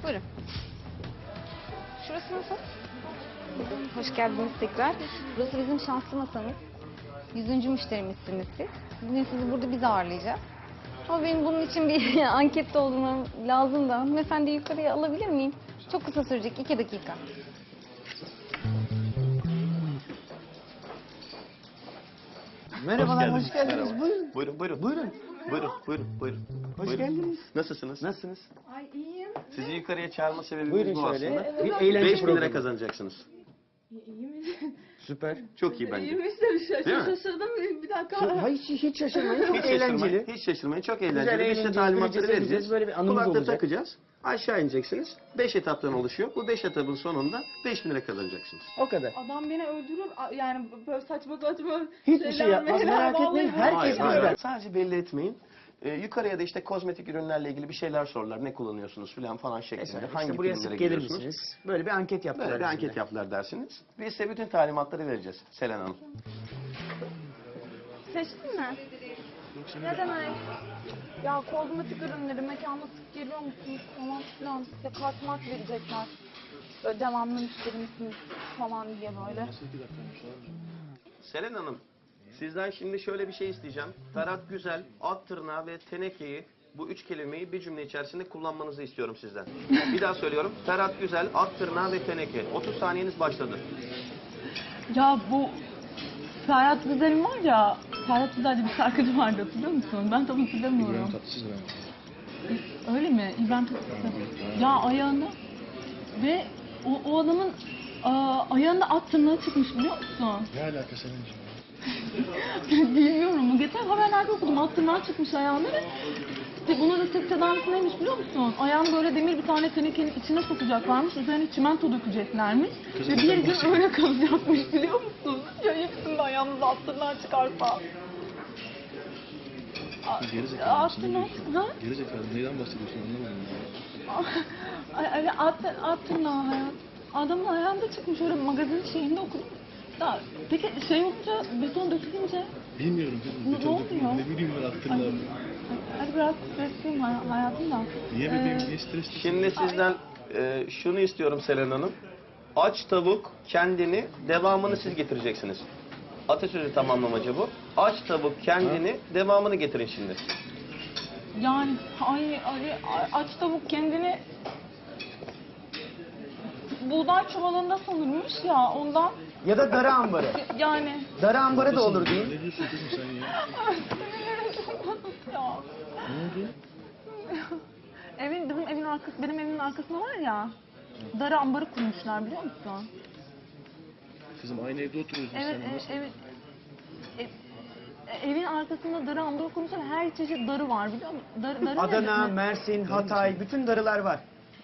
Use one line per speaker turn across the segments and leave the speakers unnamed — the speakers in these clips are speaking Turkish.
Buyurun. Şurası nasıl? Hoş geldiniz tekrar. Burası bizim şanslı masamız. 100. müşterimizsiniz siz. Bugün sizi burada biz ağırlayacağız. Ama benim bunun için bir ankette olmam lazım da. Hanımefendi yukarıya alabilir miyim? Çok kısa sürecek, 2 dakika.
Merhabalar, hoş geldiniz.
Merhaba.
Buyurun.
Buyurun. Buyurun.
Hoş
Buyurun.
geldiniz.
Nasılsınız?
Nasılsınız?
Ay iyiyim.
Sizi yukarıya çağırma sebebimiz
Buyurun
bu
şöyle.
aslında.
Bir eğlence
5.000 lira
programı.
kazanacaksınız.
İyi mi?
Süper.
Çok iyi bence.
İyiymiş
Değil mi?
şaşırdım bir dakika.
Hayır, hiç şaşırmayın. Çok eğlenceli.
Hiç şaşırmayın. Çok
Güzel,
eğlenceli. Biz size
eğlenceli,
talimatları
güleceğiz,
vereceğiz.
böyle bir anımız
Kulaklığı
olacak.
takacağız. Aşağı ineceksiniz. 5 etaptan oluşuyor. Bu 5 etapın sonunda 5.000 lira kazanacaksınız.
O kadar.
Adam beni öldürür. Yani böyle saçma saçma
Hiçbir şey yapmaz,
şeyler,
merak etmeyin.
vallahi
Herkes
Hayır,
bizden.
Sadece belli etmeyin. Yukarıya da işte kozmetik ürünlerle ilgili bir şeyler sorarlar. Ne kullanıyorsunuz falan şeklinde.
Mesela
Hangi
işte buraya
filmlere
sık gelir
gidiyorsunuz?
misiniz? Böyle bir anket yaptılar.
Böyle bir
bizimle.
anket yaptılar dersiniz. Biz size bütün talimatları vereceğiz Selen Hanım.
Seçtin mi? Ne demek? Ya kozmetik ürünleri mekanda sık geliyor musunuz falan filan. Size kart mart verecekler. Böyle devamlı müşteri misiniz falan diye böyle.
Selen Hanım, sizden şimdi şöyle bir şey isteyeceğim. Ferhat Güzel, at tırnağı ve tenekeyi, bu 3 kelimeyi bir cümle içerisinde kullanmanızı istiyorum sizden. Bir daha söylüyorum. Ferhat Güzel, at tırnağı ve teneke. 30 saniyeniz başladı.
Ya bu Ferhat Güzel'in var ya, Ferhat Güzel'de bir şarkıcı vardı hatırlıyor musun? Ben tam hatırlamıyorum.
İbrahim Tatlıses ben.
Öyle mi? İbrahim Tatlıses. Ya ayağında ve o adamın ayağında at tırnağı çıkmış biliyor musun?
Ne alaka senin?
Bilmiyorum. Geçen haberlerde okudum. At tırnağı çıkmış ayağında ve işte bunun da tek tedavisi neymiş biliyor musun? Ayağını böyle demir bir tane tenekenin içine sokacaklarmış. Üzerine çimento dökeceklermiş. Ve bir gün öyle kalacakmış biliyor musun? Ya hepsinde ayağımıza at tırnağı çıkarsa.
Gerizekalı
At
mısın? Ne
tırnağı?
diyorsun?
Ha?
Gerizekalı neyden bahsediyorsun anlamadım ya.
Ay, at tırnağı hayat. Adamın ayağında çıkmış öyle magazin şeyinde okudum. Ya, peki şey olunca, beton dökülünce
Bilmiyorum kızım.
Ne
Beton
oluyor?
dökümü, ne bileyim ben attırlar.
hadi biraz stresliyim hayatım da.
Niye bebeğim niye stresli?
Şimdi sizden şunu istiyorum Selen Hanım. Aç tavuk kendini, devamını siz getireceksiniz. Atasözü tamamlamacı bu. Aç tavuk kendini, devamını getirin şimdi.
Yani aç tavuk kendini buğday çuvalında sanırmış ya ondan
Ya da darı ambarı.
yani.
Darı ambarı da olur değil.
Ne diyorsun kızım sen ya?
Ya.
Ne oldu?
Bizim evin arkası, benim evimin arkasında var ya. Darı ambarı kurmuşlar biliyor musun?
Kızım aynı evde oturuyoruz biz
Evet,
seninle. Nasıl?
evet. Evin arkasında darı ambarı kurmuşlar. Her çeşit darı var biliyor musun? Darı
Adana,
ne?
Mersin, Hatay, bütün darılar var.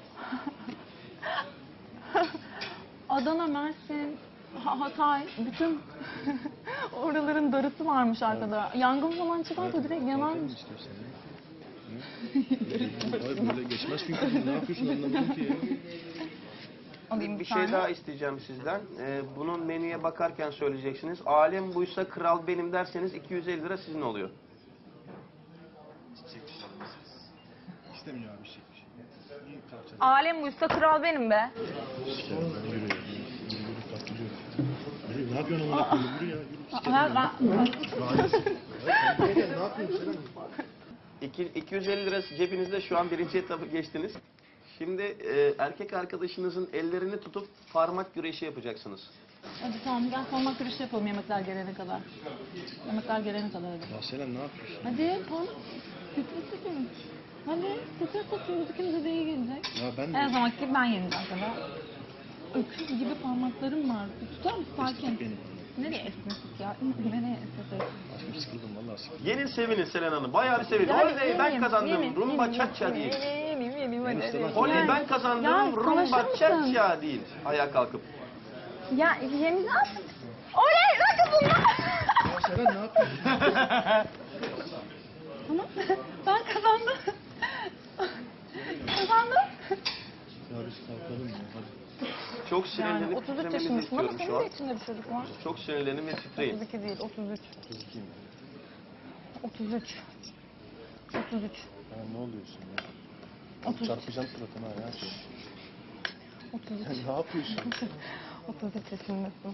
Adana, Mersin, Hatay, bütün oraların darısı varmış arkada. Yangın falan çıkarsa direkt yanarmış.
İstiyorsan ya. Hı? Hayır böyle geçmez çünkü. Ne yapıyorsun anlamadım ki ya.
Alayım
Bir
tane.
şey daha isteyeceğim sizden. Bunun menüye bakarken söyleyeceksiniz. Alem buysa kral benim derseniz 250 lira sizin oluyor.
İstemiyor abi şey. İyi kalacak.
Alem buysa kral benim be.
Sikerim ben yürü ya. Yürü kalk yürü. Yürü ne yapıyorsun amına koyayım yürü ya. Yürü sikerim
Ha,
ya.
ben-
Ne yapıyorsun Selen?
250 lira cebinizde, şu an birinci etabı geçtiniz. Şimdi erkek arkadaşınızın ellerini tutup parmak güreşi yapacaksınız.
Hadi tamam gel parmak güreşi yapalım yemekler gelene kadar. Yemekler gelene kadar hadi.
Ya Selen ne yapıyorsun?
Hadi parmak güreşi. Hadi sıkır tutuyoruz ikimize de iyi gelecek.
Ya ben
Her
de
zamanki gibi ben yeneceğim sana. Öküz gibi parmaklarım var. Tutar mısın sakin?
esnetik benim.
Nereye esnetik ya? Nereye esnetik?
Aşkım sıkıldım vallahi sıkıldım.
Yenin sevinin Selen Hanım. Bayağı bir sevinin.
Ya,
Oley ben
yeneyim,
kazandım.
yeneyim,
Rumba
yeneyim,
cha-cha değil.
yeneyim, hadi,
istemem.
hadi.
Oley
Yani-
ben kazandım.
Ya,
Rumba
konuşur musun?
cha-cha değil. Ayağa kalkıp.
Ya yeneceğiz. Oley nasıl bunlar?
Ya Selen ne yapıyorsun?
Tamam ben kazandım. Kazandım.
Ya biz kalkalım ya hadi.
Çok
Yani
sinirlenip
33
titremenizi
yaşındasın ama
istiyorum
senin
şu
de
an.
içinde bir çocuk var.
Çok sinirlenin ve titreyin.
32 değil 33.
Kızıkayım.
33. 33.
Ya ne oluyorsun ya? Çarpacağım suratına ya.
33.
Sen ne yapıyorsun?
33 yaşındasın.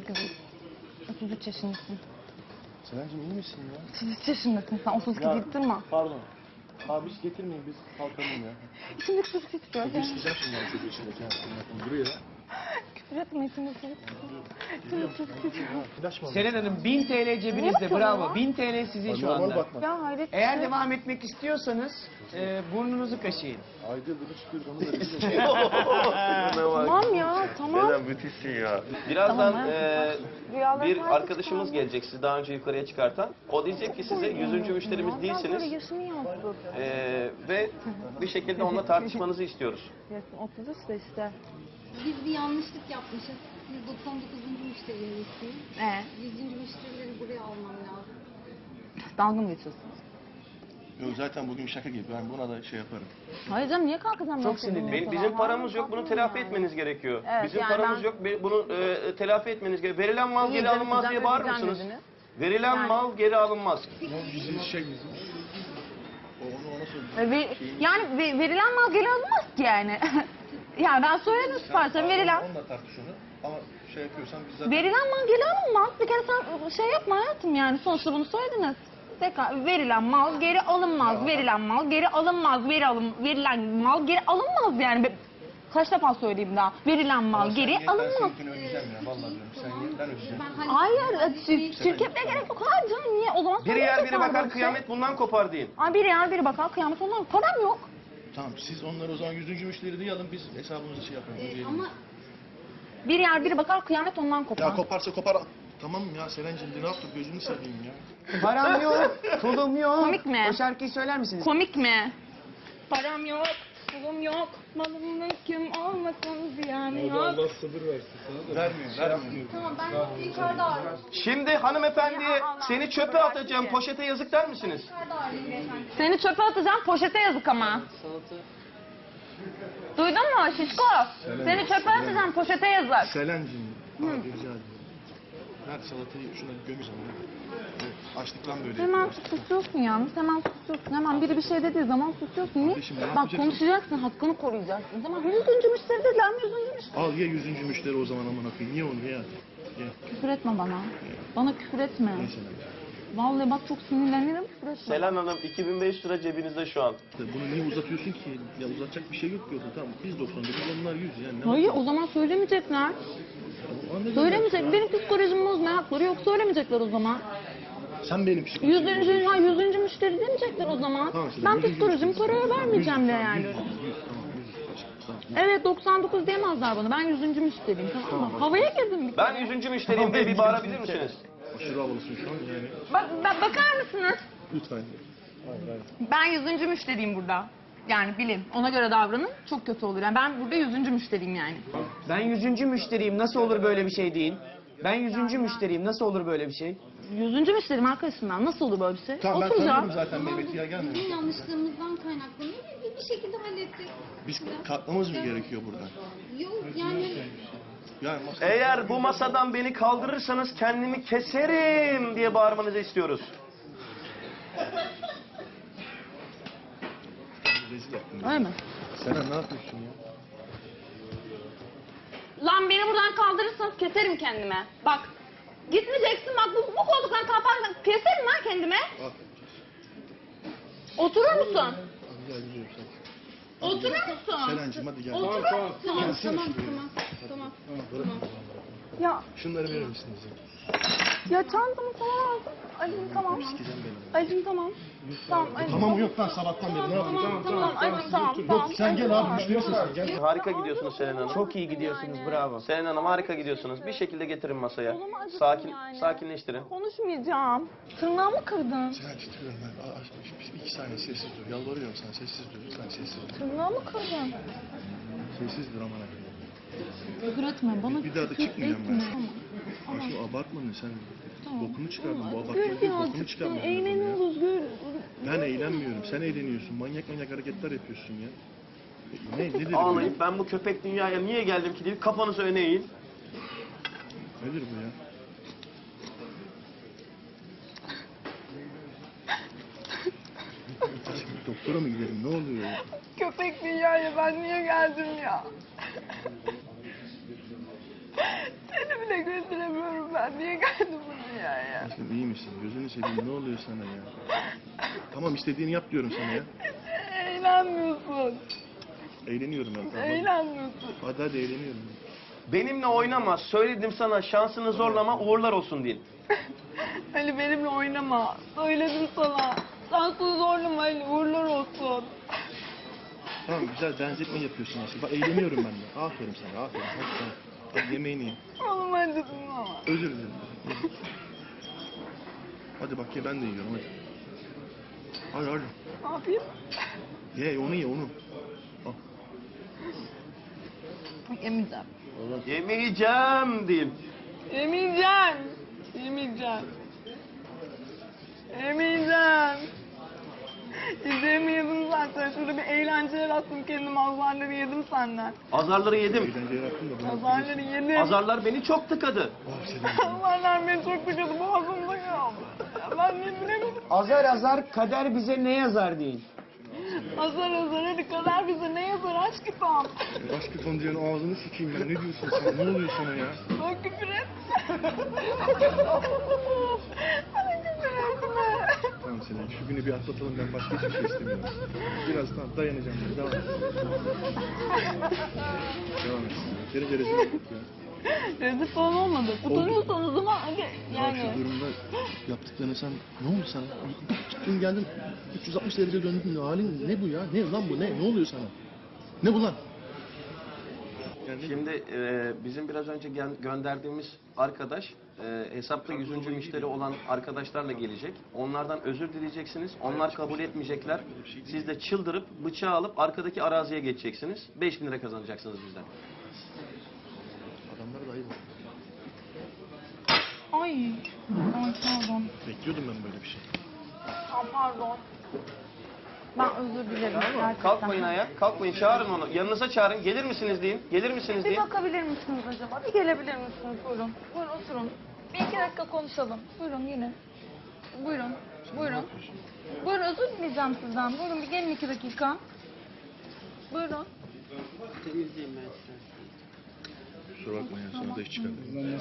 33 yaşındasın.
Senencim iyi misin ya?
33 yaşındasın sen. 32
Ya,
deyip durma.
Pardon. Abi hiç getirmeyin biz kalkalım ya.
İçimdeki su titriyor.
Bugün isteyeceğim şimdi yani çocuğu içindeki. Duruyor ya.
Küfür etme içimdeki su titriyor. İçimdeki su titriyor.
Flash mı?
Selen Hanım 1000 TL cebinizde,
yapıyorsun
bravo.
ya?
1000 TL sizin şu
Normal
anda.
bakma.
Ya hayret.
Eğer devam etmek istiyorsanız burnunuzu kaşıyın.
Ayda yılda çıkıyoruz onu da biz de.
Tamam ya tamam.
Neden müthişsin ya. Birazdan
Tamam, Rüyalar
bir
sadece
arkadaşımız gelecek sizi daha önce yukarıya çıkartan. O diyecek ki size 100. müşterimiz
Ondan sonra
değilsiniz.
yaşını yansıt.
Ve bir şekilde onunla tartışmanızı istiyoruz.
Yaşın 33 de işte.
Biz bir yanlışlık yapmışız. Biz 99. müşterimizsin. 100. müşterileri buraya almam lazım.
Dalga mı geçiyorsun?
Yok zaten bugün şaka gibi ben buna da şey yaparım.
Hayır canım niye kalkacağım?
Çok
ben
sinirli.
seninle
Bizim
falan?
paramız yok, bunu telafi
Yani.
etmeniz gerekiyor.
Evet,
Bizim
yani
paramız
ben-
yok, bunu telafi etmeniz gerekiyor. Verilen mal geri alınmaz diye bağırır mısınız? Verilen
Yani-
mal geri alınmaz.
Bizim şey bizim. Onu ona söyleyeyim.
Yani verilen mal geri alınmaz ki yani. Yani ben söyledim siparişten verilen.
Onunla tartış onu. Ama şey yapıyorsan biz zaten...
Verilen mal geri alınmaz. Bir kere sen şey yapma hayatım yani. Sonuçta bunu söylediniz. Tekrar verilen mal geri alınmaz. Verilen mal geri alınmaz. Verilen mal geri alınmaz yani. Kaç defa söyleyeyim daha. Verilen mal geri
Ben
alınmaz.
seninkini ödeyeceğim ya vallahi diyorum. Sen ye ben ödeyeceğim.
Hayır, şirketle gerek yok. Hayır canım niye? O zaman
Biri yer biri
söyleyecekler böyle
bakar
bir şey.
kıyamet bundan kopar deyin.
Ay biri yer biri bakar kıyamet ondan. Param yok.
Tamam siz onları o zaman 100. müşteri diye alın biz hesabımızı şey yapalım. ödeyelim.
Ama
Bir yer biri bakar kıyamet ondan kopar.
Ya koparsa kopar. Tamam ya Selen'cim ne yaptık gözünü seveyim ya.
Param yok, pulum yok.
Komik mi?
O şarkıyı söyler misiniz?
Komik mi? Param yok, pulum yok, malım mülküm olmasın ziyan yok.
Vermiyor.
tamam ben yukarıda arıyorum.
Şimdi hanımefendi seni çöpe atacağım, poşete yazık der misiniz?
Yukarıda arıyorum beyefendi.
Seni çöpe atacağım, poşete yazık ama. Duydun mu şişko? Seni çöpe atacağım, poşete yazık.
Selen'cim abi rica ediyorum. Ver salatayı şuna gömeceğim ya. Açlıktan böyle
Hemen
yapıyorlar.
susuyorsun yalnız, hemen susuyorsun. Hemen biri bir şey dediği zaman susuyorsun. Niye?
Kardeşim, ne
Bak
yapacaksın?
konuşacaksın, hakkını koruyacaksın. Tamam, 100. müşteri dediler, 100. müşteri.
Al ye 100. müşteri o zaman aman akıyım. Niye onu ya? Ye.
Küfür etme bana. Bana küfür etme.
Neyse.
Vallahi bak çok sinirlenirim, küfür etme.
Selen Hanım 2500 lira cebinizde şu an.
Bunu niye uzatıyorsun ki? Ya uzatacak bir şey yok ki orada. Tamam biz 99 onlar 100 yani. Ne
Hayır,
yapalım?
o zaman söylemeyecekler.
Anladın mı?
Söylemeyecek. Benim psikolojimi bozmaya hakları yok. Söylemeyecekler o zaman.
Sen benim psikolojim.
100. müşteri demeyecekler o zaman.
Tamam, işte
Ben
100.
psikolojimi paraya vermeyeceğim de yani.
100 tamam 100 tamam.
Evet 99 diyemezler bana. Ben 100. müşteriyim tamam mı? Havaya girdim bir
Ben
kere.
100. müşteriyim diye bir bağırabilir misiniz?
Aşırı havalısın şu an yani.
Bakar mısınız?
Lütfen. Hayır hayır.
Ben 100. müşteriyim burada. Yani bilin. Ona göre davranın. Çok kötü olur. Yani ben burada 100. müşteriyim yani.
Ben 100. müşteriyim, nasıl olur böyle bir şey deyin. Ben 100. müşteriyim, nasıl olur böyle bir şey?
100. müşteriyim arkadaşım ben. Nasıl olur böyle bir şey?
Tamam ben
Oturacağım.
tanıyorum zaten Mehmet'i ya gelmiyor.
Bizim yanlışlığımızdan kaynaklanıyor. Bir şekilde hallettik.
Biz kalkmamız mı gerekiyor buradan?
Yok yani
Yani masa...
Eğer bu masadan beni kaldırırsanız kendimi keserim diye bağırmanızı istiyoruz.
Rezil ettin.
Öyle mi?
Selen ne yapıyorsun ya?
Lan beni buradan kaldırırsanız keserim kendime. Bak. Gitmeyeceksin bak bu koltuktan kalkarsan keserim lan kendime.
Al.
Oturur musun?
Hadi gel gidiyorum sen.
Oturur musun?
Selen'cim hadi gel.
Oturur musun?
Gelsene
tamam
şuraya.
tamam.
Bırak.
Ya,
Şunları verir misiniz ya?
ya çantamı falan aldım. Acım tamam.
Sikeceğim beni.
Acım tamam. Tamam acım.
Tamam yok lan sabahtan beri ne yapıyorsun?
Tamam acım tamam.
Yok sen gel abi müşterisin sen gel.
Harika gidiyorsunuz Selen Hanım.
Çok iyi gidiyorsunuz, bravo.
Selen Hanım harika gidiyorsunuz. Bir şekilde getirin masaya.
O zaman acıktım
Sakin,
yani.
sakinleştirin.
Konuşmayacağım. Tırnağımı kırdın.
Selen titriyorum ben. İki saniye sessiz dur. Yalvarıyorum sana sessiz dur. Lütfen sessiz dur.
Tırnağımı kırdın.
Sessiz dur aman akıllı.
Küfür etme bana.
Bir daha da
küfür
çıkmayacağım ben.
etme. Tamam.
Aşkım abartma ne sen?
Tamam.
Bokunu çıkardın. Bu
Özgür
abartma değil. Bokunu
birazcık.
çıkardın.
Eğleniyoruz Özgür.
Ben eğlenmiyorum. Sen eğleniyorsun. Manyak manyak hareketler yapıyorsun ya. Nedir bu?
Ağlayıp ben bu köpek dünyaya niye geldim ki deyip kafanızı öne eğin.
Nedir bu ya? Aşkım doktora mı gidelim? Ne oluyor ya?
Köpek dünyaya ben niye geldim ya? Seni bile götüremiyorum ben. Niye geldim bu dünyaya?
Sen iyi misin? Gözünü seveyim. Ne oluyor sana ya? Tamam istediğini yap diyorum sana ya.
Eğlenmiyorsun.
Eğleniyorum ben. Tamam.
Eğlenmiyorsun.
Hadi eğleniyorum.
Benimle oynama. Söyledim sana, şansını zorlama, uğurlar olsun deyin.
Ali benimle oynama. Söyledim sana. Şansını zorlama Ali. Uğurlar olsun.
Tamam güzel benzetme yapıyorsun aslında. Bak eğleniyorum ben de. Aferin sana aferin. Hadi tamam. Hadi yemeğini ye.
Oğlum acıdın ama.
Özür dilerim. Hadi bak ye ben de yiyorum hadi. Hadi hadi.
Ne yapayım?
Ye onu ye onu. Al.
Yemeyeceğim.
Yemeyeceğim deyin.
Yemeyeceğim. Yemeyeceğim. Yemeyeceğim. İzleyimi yedim zaten. Şurada bir eğlence yarattım kendim. Azarları yedim senden.
Azarları yedim.
Eğlence yarattın da bunu
Azarları yedim.
Azarlar beni çok tıkadı.
Ah Selim.
Azarlar beni çok tıkadı. Boğazımda kaldı. Ben ne bilemedim.
Azar azar kader bize ne yazar deyin.
Azar azar hadi kader bize ne yazar aşk kitabım.
Aşkı Gonca'nın ağzını sikeyim ben. Ne diyorsun sen? Ne oluyor sana ya?
Bak küfür et. Bana küfür etme.
Tamam Selim şu günü bir atlatalım ben başka hiçbir şey istemiyorum. Biraz tamam dayanacağım ben. Devam et. Devam et. Yeterince rezil olduk ya.
Rezil falan olmadı. Utanıyorsan o zaman hadi
Ya
yani.
şu durumda yaptıklarını sen ne oldu sana? Çıktın geldin 360 derece döndün halin ne bu ya? Ne lan bu ne? Ne oluyor sana? Ne bu lan? Yani
Şimdi bizim biraz önce gönderdiğimiz arkadaş hesapta 100. müşteri olan arkadaşlarla gelecek. Onlardan özür dileyeceksiniz. Onlar kabul etmeyecekler. Siz de çıldırıp bıçağı alıp arkadaki araziye geçeceksiniz. 5.000 lira kazanacaksınız bizden.
adamlara da ayıp oldu.
Ay. Ay pardon.
Bekliyordum ben böyle bir şey.
Pardon. Ben özür dilerim gerçekten.
Kalkmayın ayağa. Kalkmayın. Çağırın onu. Yanınıza çağırın. Gelir misiniz deyin. Gelir misiniz
Bir
deyin.
bakabilir misiniz acaba? Bir gelebilir misiniz? Buyurun. Buyurun oturun. Bir iki dakika konuşalım. Buyurun yine. Buyurun. Buyurun. Buyurun özür dileyeceğim sizden. Buyurun bir gelin 2 dakika. Buyurun.
Kusura bakma ya sana da iş çıkardım.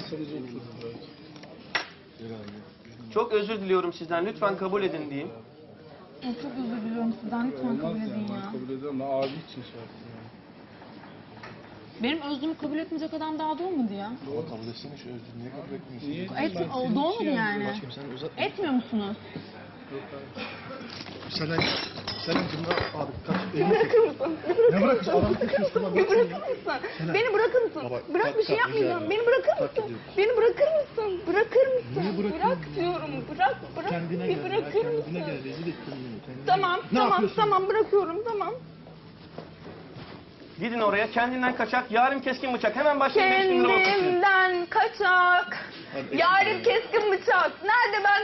Çok özür diliyorum sizden. Lütfen kabul edin deyin.
Ay, çok özür diliyorum sizden. Lütfen kabul edin ya.
Kabul ediyorum da abi için şey yaptım yani.
Benim özrümü kabul etmeyecek adam daha doğmadı ya.
Ama kabul etsene şu özrü niye kabul etmiyorsun?
Niye?
Doğmadı yani.
Başkanım sen uzatma.
Etmiyor musunuz?
Selen kimde abi kaç elini çek. Ne bırakırsın? Adamı kesiyorsun lan.
Beni bırakır mısın? Beni bırakır mısın?
Baba,
Bırak bir şey
kalk,
yapmayacağım.
rica
Beni
ederim.
bırakır
Kalk
mısın?
gidiyorum.
Beni bırakır mısın? Bırakır mısın?
Niye bırakayım
Bırak
ya?
diyorum. Bırak.
Kendine
Bir
gel.
bırakır
Kendine
mısın?
gel. Rezil ettin beni. Kendine
Tamam,
gel. Ne
tamam,
yapıyorsun?
tamam bırakıyorum, tamam.
Gidin oraya. Kendinden kaçak. Yarim keskin bıçak. Hemen başlayın. 5.000 lira ortası.
Kendimden kaçak.
Hadi,
Yarim
ekmek
keskin bıçak. Nerede